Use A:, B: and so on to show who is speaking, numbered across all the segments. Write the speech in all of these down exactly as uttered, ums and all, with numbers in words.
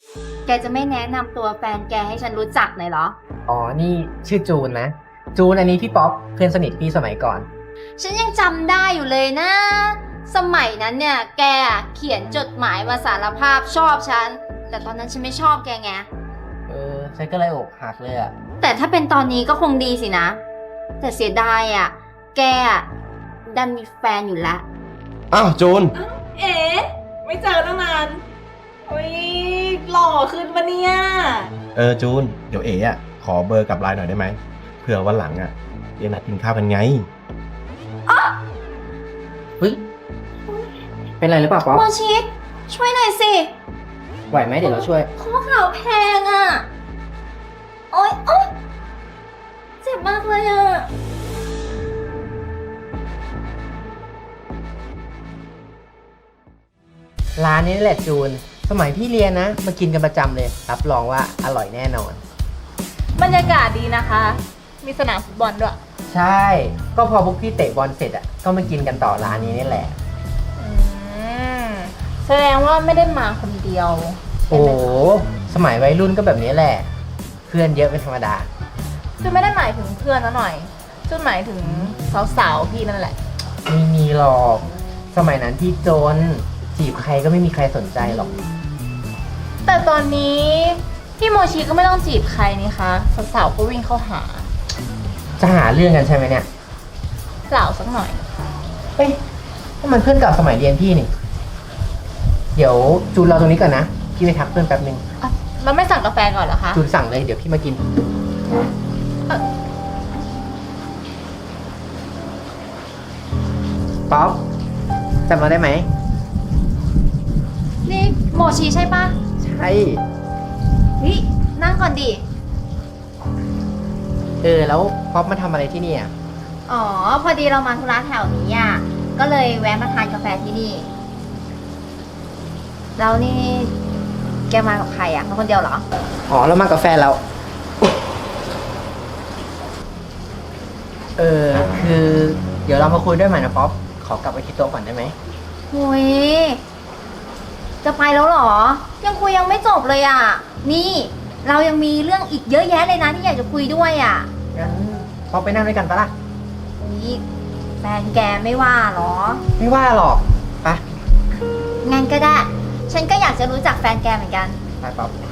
A: แกจะไม่แนะนำตัวแฟนแกให้ฉันรู้จักหน่อยเหรอ
B: อ๋อ นี่ชื่อจูนนะ จูนอันนี้พี่ป๊อปเพื่อนสนิทพี่สมัยก่อน
A: ฉันยังจำได้อยู่เลยนะ สมัยนั้นเนี่ยแกเขียนจดหมายมาสารภาพชอบฉัน แต่ตอนนั้นฉันไม่ชอบแกไง
B: เออฉันก็เลยอกหักเลยอะ
A: แต่ถ้าเป็นตอนนี้ก็คงดีสินะ แต่เสียดายอ่ะ แกอะดันมีแฟนอยู่แล้ว
C: อ้าวจูน
D: เอ๋ไม่เจอตั้งนานโอ้ยหล่อขึ้นปะเนี่ย
C: เออจูน เดี๋ยวเอ๋อะขอเบอร์กับไลน์หน่อยได้ไหมเผื่อวันหลังอะเดี๋ยวนัดกินข้าวกันไง
B: เฮ้ย เป็นไรหรือเปล่าป๊อป
A: โมชิช่วยหน่อยสิ
B: ไหวไหมเดี๋ยวเราช่วย
A: ข้อเข่าแพงอ่ะ โอ๊ยโอ๊ยเจ็บมากเลยอ่ะ
B: ร้านนี้นี่แหละจูน สมัยพี่เรียนนะ มากินกันประจำเลย รับรองว่าอร่อยแน่นอน
D: บรรยากาศดีนะคะ มีสนามฟุตบอลด้วย
B: ใช่ ก็พอพวกพี่เตะบอลเสร็จอ่ะ ก็มากินกันต่อร้านนี้นี่แหละ
D: อืมแสดงว่าไม่ได้มาคนเดียว
B: โอ้โห สมัยวัยรุ่นก็แบบนี้แหละ เพื่อนเยอะเป็นธรรมดา
D: จุนไม่ได้หมายถึงเพื่อนนะหน่อยจุนหมายถึงสาวๆพี่นั่นแหละ
B: ไม่มีหรอก สมัยนั้นพี่จน จีบใครก็ไม่มีใครสนใจหรอก
D: แต่ตอนนี้พี่โมชิก็ไม่ต้องจีบใครนี่คะสาวๆก็วิ่งเข้าหา
B: จะหาเรื่องกันใช่ไหมเนี่ย
D: เปล่าสักหน่อย
B: เฮ้ยนี่มันเพื่อนเก่าสมัยเรียนพี่นี่ เดี๋ยวจูนรอตรงนี้ก่อนนะ พี่ไปทักเพื่อนแป๊บนึง
D: อ่ะเราไม่สั่งกาแฟก่อนเหรอคะ
B: จูนสั่งเลย เดี๋ยวพี่มากิน ป๊อปจำเราได้ไหม
A: นี่โมชิใช่ปะ
B: ใช่
A: นี่นั่งก่อนดิ
B: เออ แล้วป๊อปมาทำอะไรที่นี่อ่ะ
A: อ๋อ พอดีเรามาธุระแถวนี้อ่ะ ก็เลยแวะมาทานกาแฟที่นี่ แล้วนี่แกมากับใครอ่ะมาคนเดียวเหรอ
B: อ๋อ เรามากับแฟนเรา เออ คือ เดี๋ยวเรามาคุยด้วยใหม่นะป๊อป ขอกลับไปที่โต๊ะก่อนได้ไหม
A: หุยจะไปแล้วเหรอ ยังคุยยังไม่จบเลยอ่ะ นี่ เรายังมีเรื่องอีกเยอะแยะเลยนะที่อยากจะคุยด้วยอ่ะ
B: งั้นป๊อปไปนั่งด้วยกันปะล่ะ
A: นี่แฟนแกไม่ว่าเหรอ
B: ไม่ว่าหรอกไป
A: งั้นก็ได้ ฉันก็อยากจะรู้จักแฟนแกเหมือนกัน
B: ไปป๊อป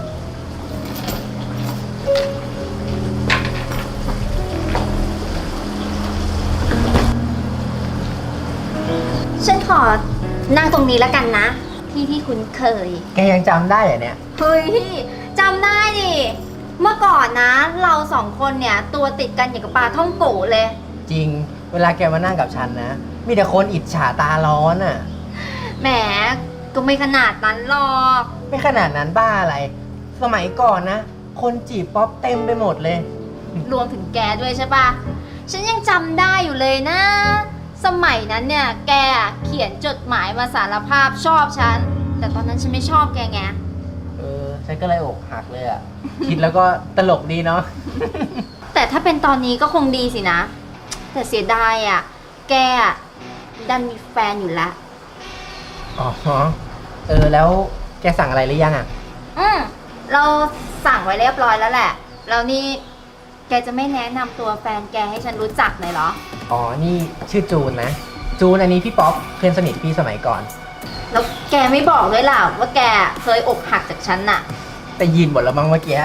A: ฉันขอนั่งตรงนี้แล้วกันนะ ที่ที่คุ้นเคย
B: แกยังจำได้เหรอเนี่ย
A: เฮ้ยจำได้ดิ เมื่อก่อนนะ เราสองคนเนี่ยตัวติดกันอย่างกับปลาท่องโกะเลย
B: จริง เวลาแกมานั่งกับฉันนะ มีแต่คนอิจฉาตาร้อนอ่ะ
A: แหม ก็ไม่ขนาดนั้นหรอก
B: ไม่ขนาดนั้นบ้าอะไร สมัยก่อนนะ คนจีบป๊อปเต็มไปหมดเลย
A: รวมถึงแกด้วยใช่ปะฉันยังจำได้อยู่เลยนะ สมัยนั้นเนี่ย แกเขียนจดหมายมาสารภาพชอบฉัน แต่ตอนนั้นฉันไม่ชอบแกไง
B: เออ ฉันก็เลยอกหักเลยอ่ะ คิดแล้วก็ตลกดีเนาะ
A: แต่ถ้าเป็นตอนนี้ก็คงดีสินะ แต่เสียดายอ่ะ แกอะดันมีแฟนอยู่แล้ว
B: อ๋อ เออ แล้วแกสั่งอะไรหรือยังอ่ะ
A: อืมเราสั่งไว้เรียบร้อยแล้วแหละ แล้วนี่แกจะไม่แนะนำตัวแฟนแกให้ฉันรู้จักหน่อยเหรอ
B: อ๋อ นี่ชื่อจูนนะ จูนอันนี้พี่ป๊อปเพื่อนสนิทพี่สมัยก่อน
A: แล้วแกไม่บอกด้วยล่ะว่าแกเคยอกหักจากฉันน่ะ
B: แต่ยินหมดแล้วมั้งเมื่อกี้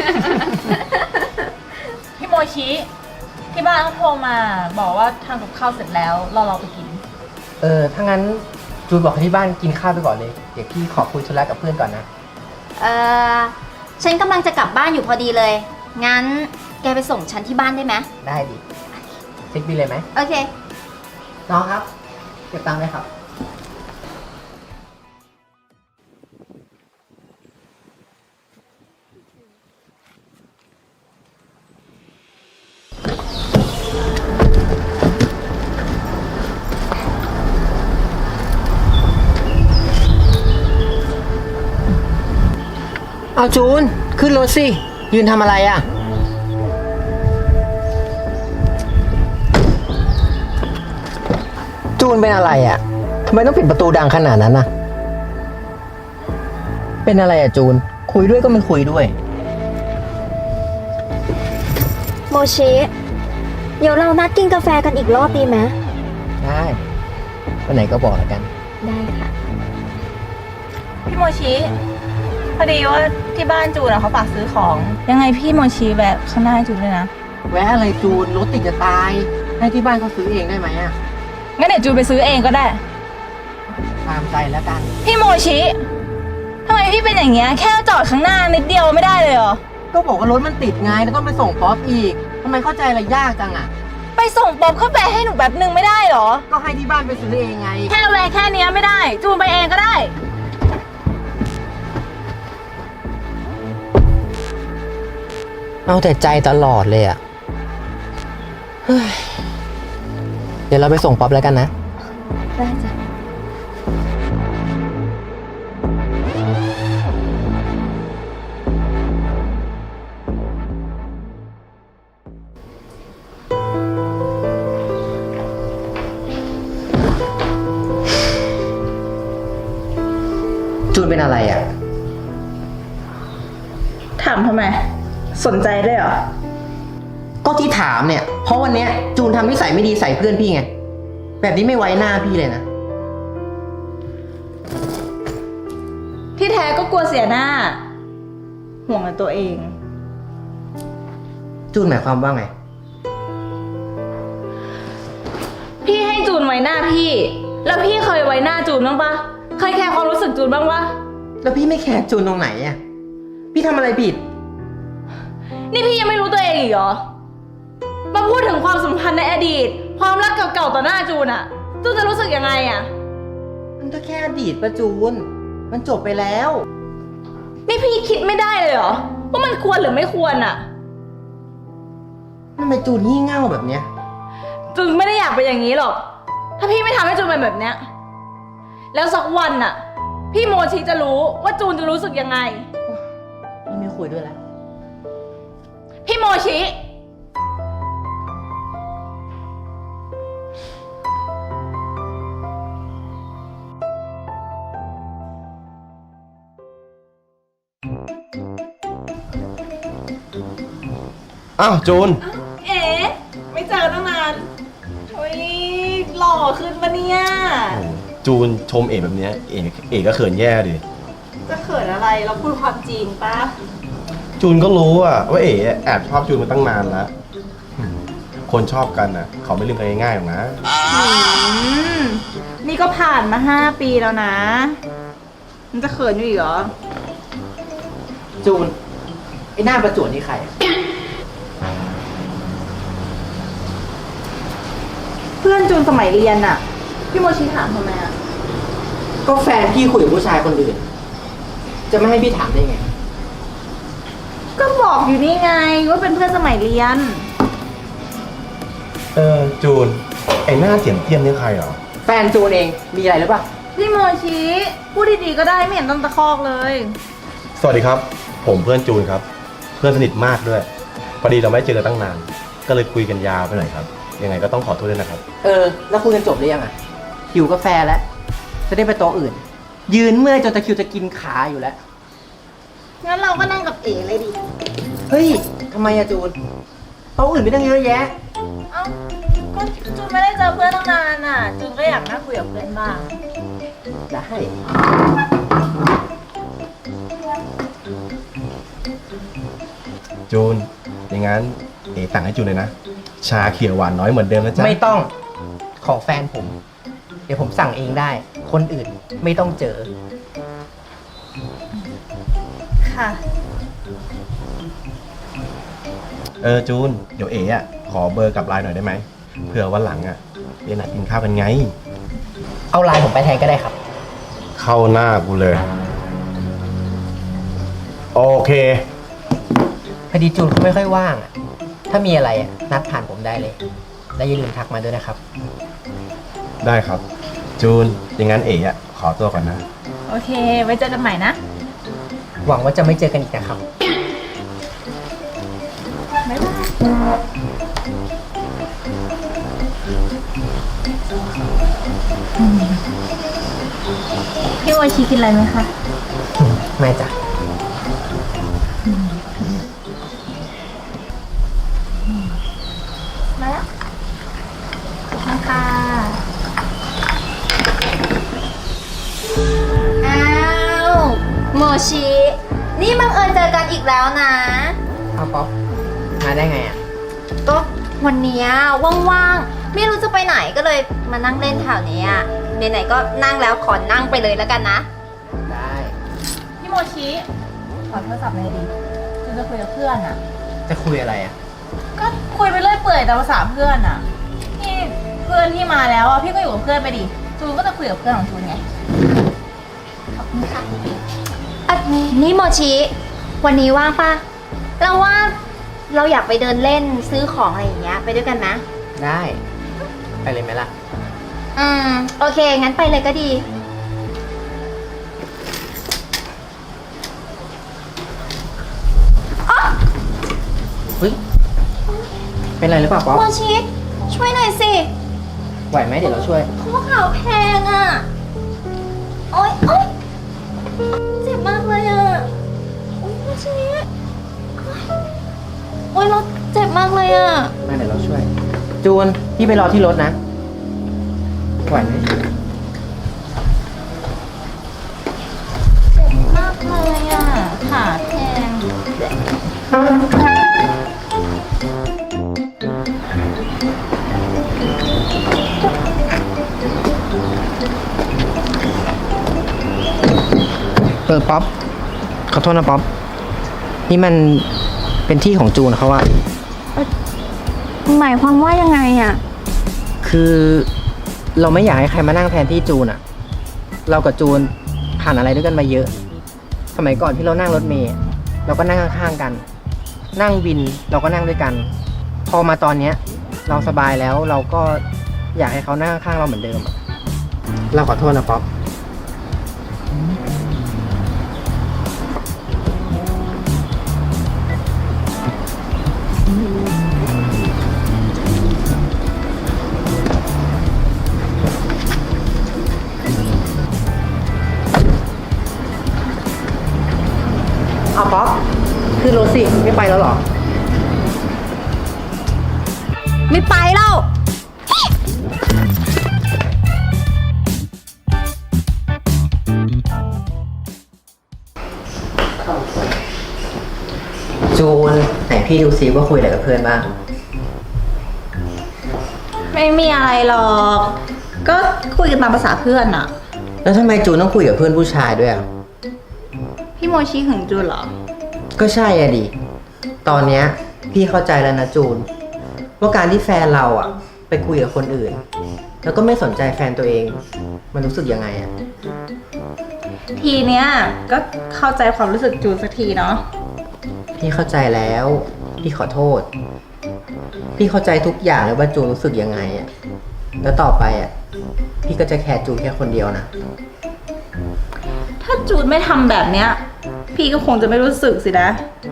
D: พี่โมชิที่บ้านเขาโทรมาบอกว่าทำกับข้าวเสร็จแล้วเราเราไปกิน
B: เออ ถ้างั้นจูนบอกให้ที่บ้านกินข้าวไปก่อนเลย เดี๋ยวพี่ขอคุยธุระกับเพื่อนก่อนนะ
A: เออฉันกำลังจะกลับบ้านอยู่พอดีเลย งั้นแกไปส่งฉันที่บ้านได้ไหม
B: ได้ดิเช็คบิลเลยไหม
A: โอเค
B: น้องครับเก็บตังค์เลยครับ เอาจูน ขึ้นรถสิ ยืนทำอะไรอ่ะ จูนเป็นอะไรอ่ะทำไมต้องปิดประตูดังขนาดนั้นน่ะเป็นอะไรอะจูน คุยด้วยก็ไม่คุยด้วย
E: โมชิ เดี๋ยวเรานัดกินกาแฟกันอีกรอบดีไหม
B: ได้วันไหนก็บอกแล้วกัน
E: ได้ค่ะ
D: พี่โมชิ พอดีว่าที่บ้านจูนอะเขาฝากซื้อของ ยังไงพี่โมชิแวะข้างหน้าให้จูนด้วยนะ
B: แวะอะไรจูน รถติดจะตาย ให้ที่บ้านเขาซื้อเองได้ไหมอะ
D: งั้นเดี๋ยวจูนไปซื้อเองก็ได้
B: ตามใจแล้วกัน
D: พี่โมชิทำไมพี่เป็นอย่างเงี้ย แค่จอดข้างหน้านิดเดียวไม่ได้เลยเหรอ
B: ก็บอกว่ารถมันติดไงแล้วต้องไปส่งป๊อปอีกทำไมเข้าใจอะไรยากจังอะ
D: ไปส่งป๊อบเข้าไปให้หนูแบบนึงไม่ได้เหรอ
B: ก็ให้ที่บ้านไปซื้อเองไง
D: แค่แวะแค่เนี้ยไม่ได้ จูนไปเองก็ได้
B: เอาแต่ใจตลอดเลยอะเฮ้ยเดี๋ยวเราไปส่งป๊อปแล้วกันนะ
E: ได้จ้ะ
B: จูนเป็นอะไรอะ
D: ถามทำไม สนใจได้เหรอ
B: ก็ที่ถามเนี่ย เพราะวันเนี้ยจูนทำนิสัยไม่ดีใส่เพื่อนพี่ไง แบบนี้ไม่ไว้หน้าพี่เลยนะ
D: ที่แท้ก็กลัวเสียหน้า ห่วงแต่ตัวเอง
B: จูนหมายความว่าไง
D: พี่ให้จูนไว้หน้าพี่ แล้วพี่เคยไว้หน้าจูนบ้างปะเคยแคร์ความรู้สึกจูนบ้างปะ
B: แล้วพี่ไม่แคร์จูนตรงไหนอะพี่ทำอะไรผิด
D: นี่พี่ยังไม่รู้ตัวเองอีกเหรอ มาพูดถึงความสัมพันธ์ในอดีต ความรักเก่าๆต่อหน้าจูนอะจูนจะรู้สึกยังไงอะ
B: มันก็แค่อดีตประจูน มันจบไปแล้ว
D: นี่พี่คิดไม่ได้เลยเหรอว่ามันควรหรือไม่ควรอะ
B: ทำไมจูนงี่เง่าแบบเนี้ย
D: จูนไม่ได้อยากเป็นอย่างนี้หรอก ถ้าพี่ไม่ทำให้จูนเป็นแบบเนี้ย แล้วสักวันอะพี่โมชิจะรู้ว่าจูนจะรู้สึกยังไง
B: พี่ไม่คุยด้วยแล้ว
D: พี่โมชิ
C: อ้าวจูน
D: เอ๋ไม่เจอตั้งนานโอ้ยหล่อขึ้นปะเนี่ย
C: จูนชมเอกแบบเนี้ยเอกเอกก็เขินแย่ดิ
D: จะเขินอะไรเราพูดความจริงปะ
C: จูนก็รู้อะว่าเอกแอบชอบจูนมาตั้งนานแล้วอืมคนชอบกันอะเขาไม่ลืมกันง่ายๆหรอกนะ
D: อืมนี่ก็ผ่านมาห้าปีแล้วนะ มันจะเขินอยู่อีกเหรอ
B: จูน ไอ้หน้าประจวดนี่ใครอะ
D: เพื่อนจูนสมัยเรียนอะพี่โมชิถามทำไมอะ
B: ก็แฟนพี่คุยกับผู้ชายคนอื่น จะไม่ให้พี่ถามได้ไง
D: ก็บอกอยู่นี่ไงว่าเป็นเพื่อนสมัยเรียน
C: เออจูน ไอหน้าเจียมเทียมนี่ใครเหรอ
B: แฟนจูนเอง มีอะไรหรือเปล่า
D: พี่โมชิพูดดีๆก็ได้ไม่เห็นต้องตะคอกเลย
C: สวัสดีครับ ผมเพื่อนจูนครับ เพื่อนสนิทมากด้วย พอดีเราไม่เจอกันตั้งนาน ก็เลยคุยกันยาวไปหน่อยครับ ยังไงก็ต้องขอโทษด้วยนะครับ
B: เออ แล้วคุยกันจบหรือยังอะหิวกาแฟแล้ว จะได้ไปโต๊ะอื่น ยืนเมื่อยจนตะคริวจะกินขาอยู่แล้ว
D: งั้นเราก็นั่งกับเอ๋เลยดิ
B: เฮ้ย ทำไมอะจูน โต๊ะอื่นไม่ต้องเยอะแยะ
D: เอ้า ก็จูนไม่ได้เจอเพื่อนตั้งนานอ่ะ จูนก็อยากนั่งคุยกับเพื่อนบ้าง
B: ได้
C: จูน อย่างงั้นเอ๋สั่งให้จูนเลยนะ ชาเขียวหวานน้อยเหมือนเดิมนะจ๊ะ
B: ไม่ต้อง ของแฟนผม เดี๋ยวผมสั่งเองได้ คนอื่นไม่ต้องเจอ
D: ค่ะ
C: เออจูน เดี๋ยวเอ๋อะขอเบอร์กับไลน์หน่อยได้ไหมเผื่อวันหลังอะเดี๋ยวนัดกินข้าวกันไง
B: เอาไลน์ผมไปแทนก็ได้ครับ
C: เข้าหน้ากูเลย โอเค
B: พอดีจูนเขาไม่ค่อยว่างอะถ้ามีอะไรอะนัดผ่านผมได้เลย และอย่าลืมทักมาด้วยนะครับ
C: ได้ครับ จูน อย่างงั้นเอ๋อะขอตัวก่อนนะ
D: โอเค ไว้เจอกันใหม่นะ
B: หวังว่าจะไม่เจอกันอีกนะครับ
D: บ๊ายบายพี่โมชิกินอะไรไหมคะ
B: ไม่จ้ะ
A: มาแล้วมาค่ะ อ้าวโมชิ นี่บังเอิญเจอกันอีกแล้วนะ
B: เอาป๊อปมาได้ไงอ่ะ
A: ก็วันเนี้ยว่างๆ ไม่รู้จะไปไหนก็เลยมานั่งเล่นแถวเนี้ยไหนๆก็นั่งแล้วขอนั่งไปเลยแล้วกันนะ
B: ได้
D: พี่โมชิขอโทรศัพท์เลยดิจูนจะคุยกับเพื่อนอะ
B: จะคุยอะไรอ่ะ
D: ก็คุยไปเรื่อยเปื่อยตามภาษาเพื่อนอะนี่เพื่อนที่มาแล้วอะพี่ก็อยู่กับเพื่อนไปดิจูนก็จะคุยกับเพื่อนของจูนไง
A: อ่ะนี่โมชิ วันนี้ว่างปะเราว่าเราอยากไปเดินเล่นซื้อของอะไรอย่างเงี้ยไปด้วยกันนะ
B: ได้ ไปเลยไหมล่ะ
A: อืม โอเค งั้นไปเลยก็ดี
B: เฮ้ย เป็นไรหรือเปล่าป๊อป
A: โมชิ ช่วยหน่อยสิ
B: ไหวไหมเดี๋ยวเราช่วย
A: ข้อเข่าแพงอ่ะ โอ๊ยโอ๊ยเจ็บมากเลยอ่ะ โอ๊ยโมชิโอ๊ยเราเจ็บมากเลยอ่ะ
B: มาเดี๋ยวเราช่วย จูน พี่ไปรอที่รถนะ ไหวไหม
A: เจ็บมากเลยอ่ะ ขาแพง
B: เออป๊อป ขอโทษนะป๊อป นี่มันเป็นที่ของจูนเขาอะ
E: หมายความว่ายังไงอะ
B: คือเราไม่อยากให้ใครมานั่งแทนที่จูนอะเรากับจูนผ่านอะไรด้วยกันมาเยอะ สมัยก่อนที่เรานั่งรถเมล์เราก็นั่งข้างๆกัน นั่งวินเราก็นั่งด้วยกัน พอมาตอนเนี้ย เราสบายแล้วเราก็อยากให้เขานั่งข้างๆเราเหมือนเดิมอะเราขอโทษนะป๊อป เอาป๊อปคือรถสิไม่ไปแล้วเหรอ
A: ไม่ไปแล้ว
B: จูนไหนพี่ดูซิว่าคุยอะไรกับเพื่อนบ้าง
D: ไม่มีอะไรหรอก ก็คุยกันตามภาษาเพื่อนอะ
B: แล้วทำไมจูนต้องคุยกับเพื่อนผู้ชายด้วยอ่ะ
D: พี่โมชิหึงจูนเหรอ
B: ก็ใช่อะดิ ตอนเนี้ยพี่เข้าใจแล้วนะจูน ว่าการที่แฟนเราอ่ะ ไปคุยกับคนอื่น แล้วก็ไม่สนใจแฟนตัวเอง มันรู้สึกยังไงอ่ะ
D: ทีเนี้ยก็เข้าใจความรู้สึกจูนสักทีเนาะ
B: พี่เข้าใจแล้ว พี่ขอโทษ พี่เข้าใจทุกอย่างเลยว่าจูนรู้สึกยังไงอ่ะ แล้วต่อไปอ่ะ พี่ก็จะแคร์จูนแค่คนเดียวนะ
D: ถ้าจูนไม่ทำแบบเนี้ย พี่ก็คงจะไม่รู้สึกสินะ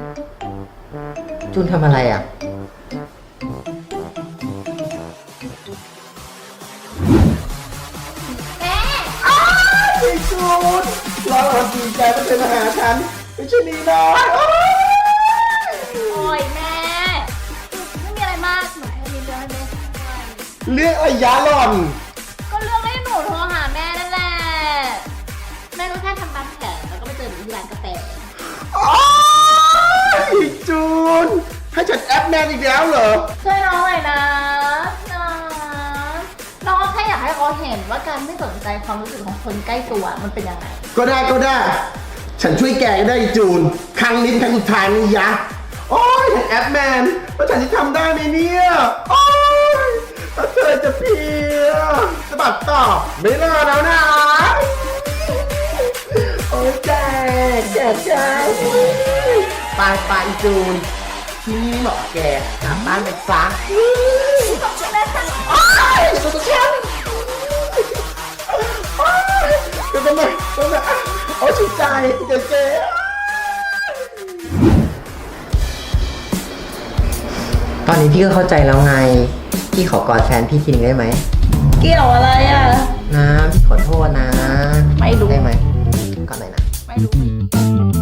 B: จูนทำอะไรอ่ะ
C: จูนรอวันดีใจมาเป็นมาหาฉันไม่ใช่นีน้อย
D: โอ้ยแม่ ไม่มีอะไรมากหนูแค่มีเรื่องให้แม่ช่วย
C: เรื่องอะไรยะหล่อน
D: ก็เรื่องให้หนูโทรหาแม่นั่นแหละ แม่ก็แค่ทำตามแผนแล้วก็ไปเจอหนูที่ร้านกาแฟ
C: โอ๊ยจูน ให้ฉันแอปแมนอีกแล้วเหรอ
D: ช่วยน้องหน่อยนะนะน้องแค่อยากให้เขาเห็นว่าการไม่สนใจความรู้สึกของคนใกล้ตัวมันเป็นยังไง
C: ก็ได้ก็ได้ ฉันช่วยแกก็ได้จูน ครั้งนี้เป็นครั้งสุดท้ายนี่ยะ โอ้ยแอปแมนแล้วฉันจะทำได้ไหมเนี่ยโอ้ยถ้าเธอจะเพลียสะบัดต่อไม่รอแล้วนะ โอ้ยแกแกแกไปไปจูน ที่นี่เหมาะแกกลับบ้านไปซะโอ้ยสุดฉันโอ้ยเดี๋ยวทำไมทำไมโอ้ยชิดใจเจ๊เจ๊
B: ตอนนี้พี่ก็เข้าใจแล้วไง พี่ขอกอดแฟนพี่ทีนึงได้ไหม
D: เกี่ยวอะไรอ่ะ
B: นะพี่ขอโทษนะ
D: ไม่รู้
B: ได้ไหมก่อนหน่อยนะ
D: ไม่
A: รู้